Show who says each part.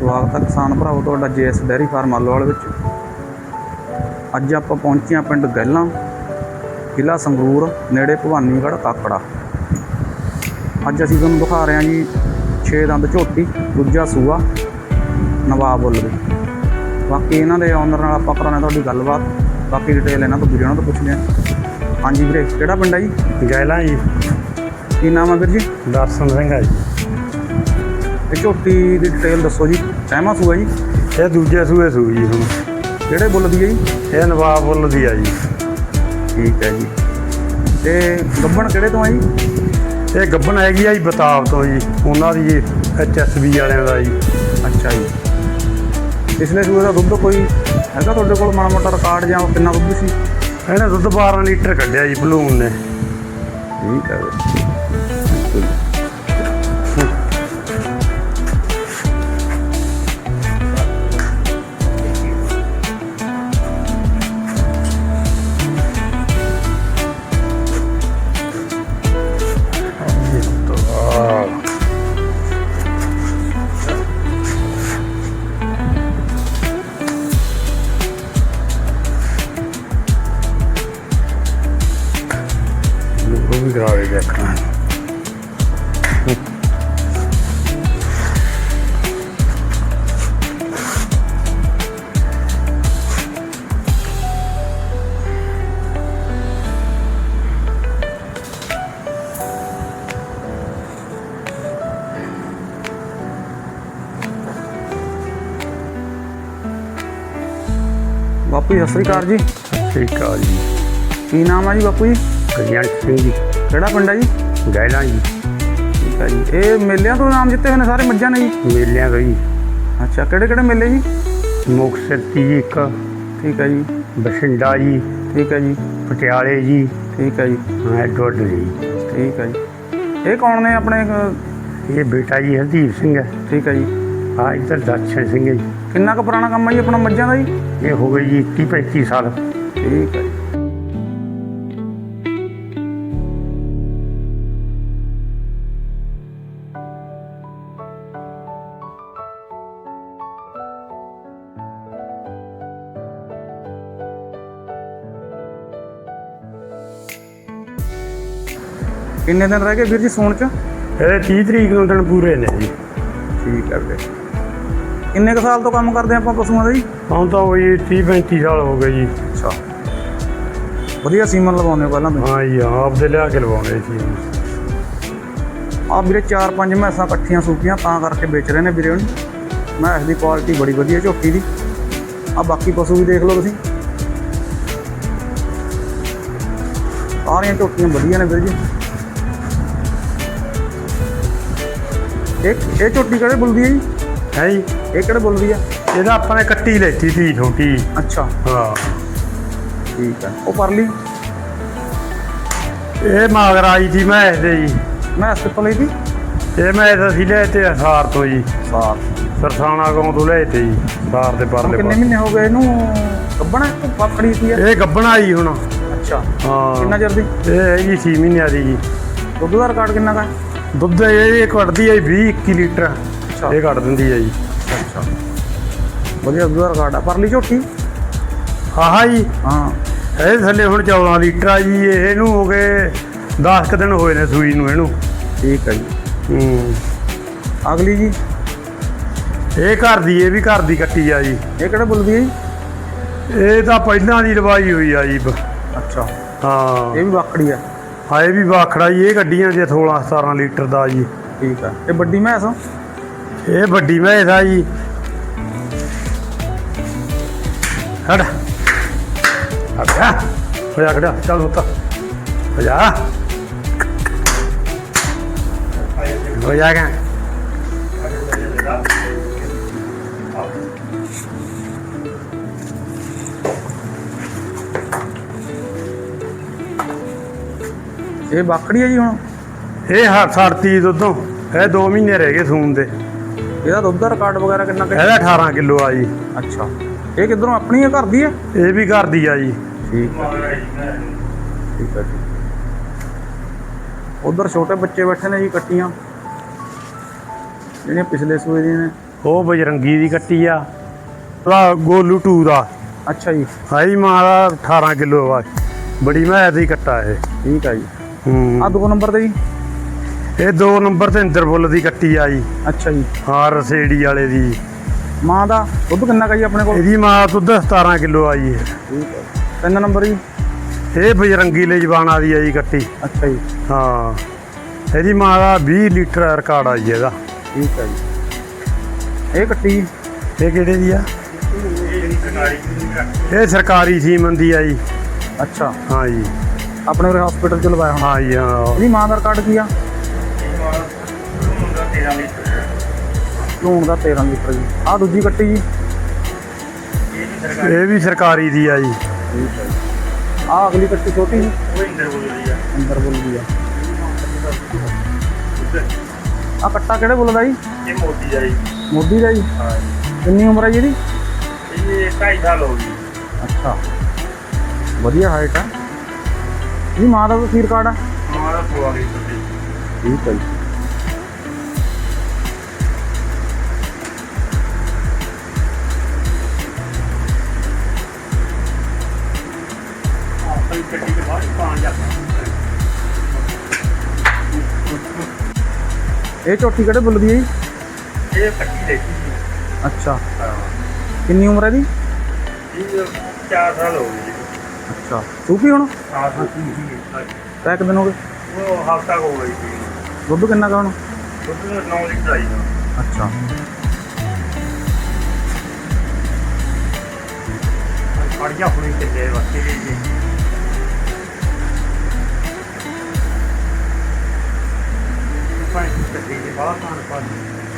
Speaker 1: ਸਵਾਗਤ ਹੈ ਕਿਸਾਨ ਭਰਾਵੋ ਤੁਹਾਡਾ JS ਡੇਅਰੀ ਫਾਰਮ ਆਲੋਵਾਲ ਵਿੱਚ। ਅੱਜ ਆਪਾਂ ਪਹੁੰਚੇ ਹਾਂ ਪਿੰਡ ਗਹਿਲਾਂ, ਜ਼ਿਲ੍ਹਾ ਸੰਗਰੂਰ, ਨੇੜੇ ਭਵਾਨੀਗੜ੍ਹ ਕਾਕੜਾ। ਅੱਜ ਅਸੀਂ ਤੁਹਾਨੂੰ ਦਿਖਾ ਰਹੇ ਹਾਂ ਜੀ 6 ਦੰਦ ਝੋਟੀ, ਦੂਜਾ ਸੂਆ, ਨਵਾਬ ਬੁੱਲ ਦੀ। ਬਾਕੀ ਇਹਨਾਂ ਦੇ ਓਨਰ ਨਾਲ ਆਪਾਂ ਕਰਾਉਣਾ ਤੁਹਾਡੀ ਗੱਲਬਾਤ। ਬਾਕੀ ਡਿਟੇਲ ਇਹਨਾਂ ਤੋਂ ਵੀਰੇ ਉਹਨਾਂ ਤੋਂ ਪੁੱਛਦੇ ਹਾਂ। ਹਾਂਜੀ ਵੀਰੇ, ਕਿਹੜਾ ਪਿੰਡ ਹੈ ਜੀ?
Speaker 2: ਗਹਿਲਾਂ ਜੀ।
Speaker 1: ਕੀ ਨਾਮ ਹੈ ਵੀਰ ਜੀ?
Speaker 2: ਦਰਸ਼ਨ ਸਿੰਘ ਹੈ ਜੀ।
Speaker 1: ਇਹ ਝੋਟੀ ਦੀ ਡਿਟੇਲ ਦੱਸੋ ਜੀ। ਸਹਿਮਾ ਸੂਆ ਜੀ?
Speaker 2: ਇਹ ਦੂਜੇ ਸੂਏ ਸੂ ਜੀ। ਹੁਣ
Speaker 1: ਕਿਹੜੇ ਬੁੱਲ ਦੀ ਹੈ ਜੀ?
Speaker 2: ਇਹ ਨਵਾਬ ਬੁੱਲ ਦੀ ਆ ਜੀ।
Speaker 1: ਠੀਕ ਹੈ ਜੀ। ਤੇ ਗੱਭਣ ਕਿਹੜੇ ਤੋਂ ਹੈ ਜੀ?
Speaker 2: ਇਹ ਗੱਭਣ ਹੈਗੀ ਆ ਜੀ ਬਤਾਬ ਤੋਂ ਜੀ, ਉਹਨਾਂ ਦੀ ਜੀ HSB ਵਾਲਿਆਂ ਦਾ ਜੀ।
Speaker 1: ਅੱਛਾ ਜੀ। ਪਿਛਲੇ ਸੂਏ ਦਾ ਦੁੱਧ ਕੋਈ ਹੈਗਾ ਤੁਹਾਡੇ ਕੋਲ ਮਾੜਾ ਮੋਟਾ ਰਿਕਾਰਡ, ਜਾਂ ਕਿੰਨਾ ਦੁੱਧ ਸੀ?
Speaker 2: ਇਹਨੇ ਦੁੱਧ 12 ਲੀਟਰ ਕੱਢਿਆ ਜੀ ਬਲੂਨ ਨੇ।
Speaker 1: ਠੀਕ ਹੈ
Speaker 2: ਉਹ ਵੀ ਕਰਾਵੇ ਦੇਖਣਾ।
Speaker 1: ਬਾਪੂ ਜੀ, ਸਤਿ ਸ਼੍ਰੀ ਅਕਾਲ ਜੀ।
Speaker 2: ਠੀਕ ਆ ਜੀ।
Speaker 1: ਕੀ ਨਾਮ ਹੈ ਜੀ ਬਾਪੂ ਜੀ?
Speaker 2: ਕਲਿਆਣ ਸਿੰਘ ਜੀ।
Speaker 1: ਕਿਹੜਾ ਪਿੰਡ ਹੈ ਜੀ?
Speaker 2: ਗਹਿਲਾਂ ਜੀ।
Speaker 1: ਠੀਕ ਹੈ ਜੀ। ਇਹ ਮੇਲਿਆਂ ਤੋਂ ਨਾਮ ਜਿੱਤੇ ਹੋਏ ਨੇ ਸਾਰੇ ਮੱਝਾਂ ਨੇ ਜੀ?
Speaker 2: ਮੇਲਿਆਂ ਤੋਂ ਜੀ।
Speaker 1: ਅੱਛਾ, ਕਿਹੜੇ ਕਿਹੜੇ ਮੇਲੇ ਜੀ?
Speaker 2: ਮੁਕਤਸਰ ਜੀ ਇੱਕ,
Speaker 1: ਠੀਕ ਹੈ ਜੀ।
Speaker 2: ਬਠਿੰਡਾ ਜੀ,
Speaker 1: ਠੀਕ ਹੈ ਜੀ।
Speaker 2: ਪਟਿਆਲੇ ਜੀ,
Speaker 1: ਠੀਕ ਹੈ ਜੀ।
Speaker 2: ਐਡਵਰਡ ਜੀ।
Speaker 1: ਠੀਕ ਹੈ ਜੀ। ਇਹ ਕੌਣ ਨੇ ਆਪਣੇ?
Speaker 2: ਇਹ ਬੇਟਾ ਜੀ ਹਰਦੀਪ ਸਿੰਘ ਹੈ।
Speaker 1: ਠੀਕ ਹੈ ਜੀ।
Speaker 2: ਹਾਂ, ਇੱਧਰ ਦਰਸ਼ਨ ਸਿੰਘ ਹੈ ਜੀ।
Speaker 1: ਕਿੰਨਾ ਕੁ ਪੁਰਾਣਾ ਕੰਮ ਹੈ ਜੀ ਆਪਣਾ ਮੱਝਾਂ ਦਾ ਜੀ?
Speaker 2: ਇਹ ਹੋ ਗਈ ਜੀ 30-35 ਸਾਲ।
Speaker 1: ਠੀਕ ਹੈ ਜੀ। ਕਿੰਨੇ ਦਿਨ ਰਹਿ ਗਏ ਵੀਰ ਜੀ ਸੂਣ ਚ?
Speaker 2: ਇਹ 30 ਤਰੀਕ ਨੂੰ ਦਿਨ ਪੂਰੇ ਨੇ ਜੀ।
Speaker 1: ਠੀਕ ਹੈ ਵੀਰੇ। ਕਿੰਨੇ ਕੁ ਸਾਲ ਤੋਂ ਕੰਮ ਕਰਦੇ ਆਪਾਂ ਪਸ਼ੂਆਂ ਦਾ ਜੀ?
Speaker 2: ਹੁਣ ਤਾਂ ਉਹ ਜੀ 30-35 ਸਾਲ ਹੋ ਗਏ ਜੀ।
Speaker 1: ਅੱਛਾ, ਵਧੀਆ ਸੀਮਨ ਲਵਾਉਂਦੇ ਹੋ ਪਹਿਲਾਂ ਤੋਂ?
Speaker 2: ਹਾਂ ਜੀ, ਆਪਦੇ ਲਿਆ ਕੇ ਲਵਾਉਣੇ ਸੀ।
Speaker 1: ਆ ਵੀਰੇ 4-5 ਮੈਸਾਂ ਇਕੱਠੀਆਂ ਸੂਪੀਆਂ ਤਾਂ ਕਰਕੇ ਵੇਚ ਰਹੇ ਨੇ ਵੀਰੇ ਹੁਣ। ਮੈਸ ਦੀ ਕੁਆਲਿਟੀ ਬੜੀ ਵਧੀਆ ਝੋਟੀ ਦੀ। ਆ ਬਾਕੀ ਪਸ਼ੂ ਵੀ ਦੇਖ ਲਓ ਤੁਸੀਂ, ਸਾਰੀਆਂ ਝੋਟੀਆਂ ਵਧੀਆ ਨੇ ਵੀਰ ਜੀ। ਇਹ ਝੋਟੀ ਕਿਹੜੇ ਬੁੱਲ ਦੀ ਹੈ ਜੀ?
Speaker 2: ਹੈ ਜੀ।
Speaker 1: ਇਹ ਕਿਹੜੇ ਬੁੱਲ ਦੀ ਆ?
Speaker 2: ਇਹਦਾ ਆਪਾਂ ਨੇ ਕੱਟੀ ਲੈਤੀ ਸੀ ਛੋਟੀ।
Speaker 1: ਅੱਛਾ,
Speaker 2: ਹਾਂ।
Speaker 1: ਠੀਕ ਹੈ। ਉਹ ਪਰਲੀ
Speaker 2: ਇਹ ਮਗਰ ਆਈ ਸੀ ਮੈਂ ਇਹਦੇ ਜੀ।
Speaker 1: ਮੈਸ ਕਿੱਥੋਂ ਲਈ ਸੀ?
Speaker 2: ਇਹ ਮੈਂ ਇਹਦਾ ਸੀ ਲਿਆ ਤੇ ਸਾਰ ਤੋਂ ਜੀ।
Speaker 1: ਸਾਰ
Speaker 2: ਸਰਸਾਣਾ ਗਾਉਂ ਤੋਂ ਲਿਆ ਤੇ ਜੀ। ਸਾਰ ਦੇ ਪਰਲੇ
Speaker 1: ਕਿੰਨੇ ਮਹੀਨੇ ਹੋ ਗਏ ਇਹਨੂੰ ਗੱਭਣਾ? ਪਕੜੀ ਸੀ
Speaker 2: ਇਹ ਗੱਭਣਾ ਜੀ ਹੁਣ।
Speaker 1: ਅੱਛਾ,
Speaker 2: ਹਾਂ।
Speaker 1: ਕਿੰਨਾ ਚਿਰ ਦੀ?
Speaker 2: ਇਹ ਹੈਗੀ 6 ਮਹੀਨਿਆਂ ਦੀ ਜੀ।
Speaker 1: ਦੁੱਧ ਦਾ ਰਿਕਾਰਡ ਕਿੰਨਾ ਕਾ?
Speaker 2: ਦੁੱਧ ਇਹ ਕੱਢਦੀ ਹੈ 20-21 ਲੀਟਰ। ਇਹ ਕੱਢ ਦਿੰਦੀ ਹੈ ਜੀ।
Speaker 1: ਅੱਛਾ, ਵਧੀਆ ਦੁੱਧ ਦਾ ਰਿਕਾਰਡ ਆ। ਪਰਲੀ ਝੋਟੀ?
Speaker 2: ਆਹ ਜੀ।
Speaker 1: ਹਾਂ,
Speaker 2: ਇਹ ਥੱਲੇ ਹੁਣ 14 ਲੀਟਰ ਆ ਜੀ। ਇਹਨੂੰ ਹੋ ਗਏ 10 ਕੁ ਦਿਨ ਹੋਏ ਨੇ ਸੂਈ ਨੂੰ ਇਹਨੂੰ।
Speaker 1: ਠੀਕ ਹੈ ਜੀ। ਅਗਲੀ ਜੀ?
Speaker 2: ਇਹ ਘਰ ਦੀ, ਇਹ ਵੀ ਘਰ ਦੀ ਕੱਟੀ ਆ ਜੀ।
Speaker 1: ਇਹ ਕਿਹੜੇ ਬੁੱਲ ਦੀ ਹੈ ਜੀ?
Speaker 2: ਇਹ ਤਾਂ ਪਹਿਲਾਂ ਦੀ ਲਵਾਈ ਹੋਈ ਆ ਜੀ।
Speaker 1: ਅੱਛਾ,
Speaker 2: ਹਾਂ।
Speaker 1: ਇਹ ਵੀ ਵਾਕੜੀ ਆ?
Speaker 2: ਹਾਂ, ਇਹ ਵੀ ਵਾਖੜਾ ਜੀ। ਇਹ ਗੱਡੀਆਂ ਦੇ 16-17 ਲੀਟਰ ਦਾ ਜੀ।
Speaker 1: ਠੀਕ ਆ। ਇਹ ਵੱਡੀ ਮੈਸ?
Speaker 2: ਇਹ ਵੱਡੀ ਮੈਸ ਆ ਜੀ। ਹਟ ਅੱਛਾ, ਹੋ ਜਾ ਖੜਾ, ਚੱਲ ਉੱਤਾ ਹੋ ਜਾ, ਹੋ ਜਾਗਾ।
Speaker 1: ਇਹ ਵਾਕੜੀ ਹੈ ਜੀ ਹੁਣ?
Speaker 2: ਇਹ ਛੱਡਤੀ ਦੁੱਧੋਂ। ਇਹ 2 ਮਹੀਨੇ ਰਹਿ ਗਏ ਸੂਣ ਦੇ।
Speaker 1: ਇਹਦਾ ਦੁੱਧ ਦਾ ਰਿਕਾਰਡ ਵਗੈਰਾ ਕਿੰਨਾ?
Speaker 2: ਇਹਦਾ 18 ਕਿਲੋ ਆ ਜੀ।
Speaker 1: ਅੱਛਾ, ਇਹ ਕਿੱਧਰੋਂ ਆਪਣੀ ਹੈ, ਘਰ ਦੀ ਹੈ?
Speaker 2: ਇਹ ਵੀ ਘਰ ਦੀ ਆ ਜੀ।
Speaker 1: ਠੀਕ ਹੈ, ਠੀਕ ਹੈ ਜੀ। ਉਧਰ ਛੋਟੇ ਬੱਚੇ ਬੈਠੇ ਨੇ ਜੀ, ਕੱਟੀਆਂ ਜਿਹੜੀਆਂ ਪਿਛਲੇ ਸੂਏ ਦੀਆਂ ਨੇ।
Speaker 2: ਉਹ ਬਜਰੰਗੀ ਦੀ ਕੱਟੀ ਆ ਉਹਦਾ ਗੋਲੂ 2 ਦਾ
Speaker 1: ਅੱਛਾ ਜੀ,
Speaker 2: ਹਾਈ ਮਾਂ ਦਾ 18 ਕਿਲੋ ਆ, ਬੜੀ ਮੈਦ ਦੀ ਕੱਟਾ ਇਹ।
Speaker 1: ਠੀਕ ਆ ਜੀ।
Speaker 2: ਹੂੰ
Speaker 1: ਆ 2 ਨੰਬਰ ਤੇ ਜੀ?
Speaker 2: ਇਹ 2 ਨੰਬਰ ਤੇ ਇੰਦਰਬੁੱਲ ਦੀ ਕੱਟੀ ਆ ਜੀ।
Speaker 1: ਅੱਛਾ ਜੀ।
Speaker 2: ਹਾਂ ਰਸੇੜੀ ਵਾਲੇ ਦੀ।
Speaker 1: ਮਾਂ ਦਾ ਦੁੱਧ ਕਿੰਨਾ ਕਾ ਜੀ ਆਪਣੇ ਕੋਲ?
Speaker 2: ਇਹਦੀ ਮਾਂ ਦੁੱਧ 17 ਕਿਲੋ ਆ ਜੀ।
Speaker 1: ਠੀਕ ਹੈ। 3 ਨੰਬਰ ਜੀ?
Speaker 2: ਇਹ ਬਜਰੰਗੀ ਲਈ ਜਵਾਨਾ ਦੀ ਆ ਜੀ ਕੱਟੀ।
Speaker 1: ਅੱਛਾ ਜੀ।
Speaker 2: ਹਾਂ ਇਹਦੀ ਮਾਂ ਦਾ 20 ਲੀਟਰ ਰਿਕਾਰਡ ਆ ਜੀ ਇਹਦਾ।
Speaker 1: ਠੀਕ ਹੈ ਜੀ। ਇਹ ਕੱਟੀ
Speaker 2: ਇਹ ਕਿਹੜੇ ਦੀ ਆ? ਇਹ ਸਰਕਾਰੀ ਸੀਮਨ ਦੀ ਆ ਜੀ।
Speaker 1: ਅੱਛਾ।
Speaker 2: ਹਾਂ ਜੀ
Speaker 1: ਆਪਣੇ ਉਰੇ ਹਸਪੀਟਲ ਚ ਲਵਾਇਆ ਹੋਣਾ।
Speaker 2: ਹਾਂ ਜੀ ਹਾਂ।
Speaker 1: ਇਹਦੀ ਮਾਂ ਦਾ ਰਿਕਾਰਡ ਕੀ ਆ? ਲੂਣ ਦਾ 13 ਲੀਟਰ ਜੀ। ਆ ਦੂਜੀ ਕੱਟੀ ਜੀ?
Speaker 2: ਇਹ ਵੀ ਸਰਕਾਰੀ ਦੀ ਆ ਜੀ।
Speaker 1: ਠੀਕ ਹੈ ਜੀ। ਆ ਅਗਲੀ ਕੱਟੀ ਛੋਟੀ ਜੀ?
Speaker 2: ਉਹ ਇੰਦਰਬੁੱਲ ਦੀ ਆ।
Speaker 1: ਇੰਦਰਬੁੱਲ ਦੀ ਆ। ਆ ਕੱਟਾ ਕਿਹੜੇ ਬੁੱਲ ਦਾ ਜੀ?
Speaker 2: ਇਹ ਮੋਦੀ ਦਾ ਜੀ।
Speaker 1: ਮੋਦੀ ਦਾ ਜੀ?
Speaker 2: ਹਾਂ
Speaker 1: ਕਿੰਨੀ ਉਮਰ ਹੈ ਜੀ ਇਹਦੀ?
Speaker 2: ਇਹ 2.5 ਸਾਲ ਹੋ ਗਈ।
Speaker 1: ਅੱਛਾ, ਵਧੀਆ ਹਾਈਟ ਆ। ਇਹਦੀ ਮਾਂ ਦਾ ਕੀ ਰਿਕਾਰਡ ਆ?
Speaker 2: ਮਾਂ ਦਾ 16 ਲੀਟਰ ਦੀ।
Speaker 1: ਠੀਕ ਹੈ ਜੀ।
Speaker 2: ਆਪਣੀ ਕੱਟੀ ਦੇ ਬਾਅਦ ਪਾਣ ਜਾਂਦਾ।
Speaker 1: ਇਹ ਝੋਟੀ ਕਿਹੜੇ ਬੁੱਲ ਦੀ ਹੈ ਜੀ?
Speaker 2: ਇਹ ਕੱਟੀ ਦੇਖੀ ਸੀ।
Speaker 1: ਅੱਛਾ,
Speaker 2: ਹਾਂ
Speaker 1: ਕਿੰਨੀ ਉਮਰ ਹੈ ਇਹਦੀ?
Speaker 2: ਇਹ 4 ਸਾਲ ਹੋ ਗਏ ਜੀ।
Speaker 1: ਅੱਛਾ, ਸੂਪੀ ਹੁਣ?
Speaker 2: ਹਾਂ ਸੂਪੀ ਸੀ।
Speaker 1: ਤੈ ਕਿੰਨੇ ਦਿਨ ਹੋ ਗਏ?
Speaker 2: ਉਹ ਹਫ਼ਤਾ ਹੋ ਗਈ ਸੀ।
Speaker 1: ਦੁੱਧ ਕਿੰਨਾ ਕਾ ਹੁਣ?
Speaker 2: ਦੁੱਧ 9 ਲੀਟਰ ਆਈ ਨਾ।
Speaker 1: ਅੱਛਾ,
Speaker 2: ਫੜੀਆਂ ਹੁਣੀ ਕਿੱਲੇ ਵਸਤੀ ਗਈ ਜੀ। ਭਾਈ ਕੱਟੀ ਦੇ ਬਾਹਰ ਤਾਂ ਪਾ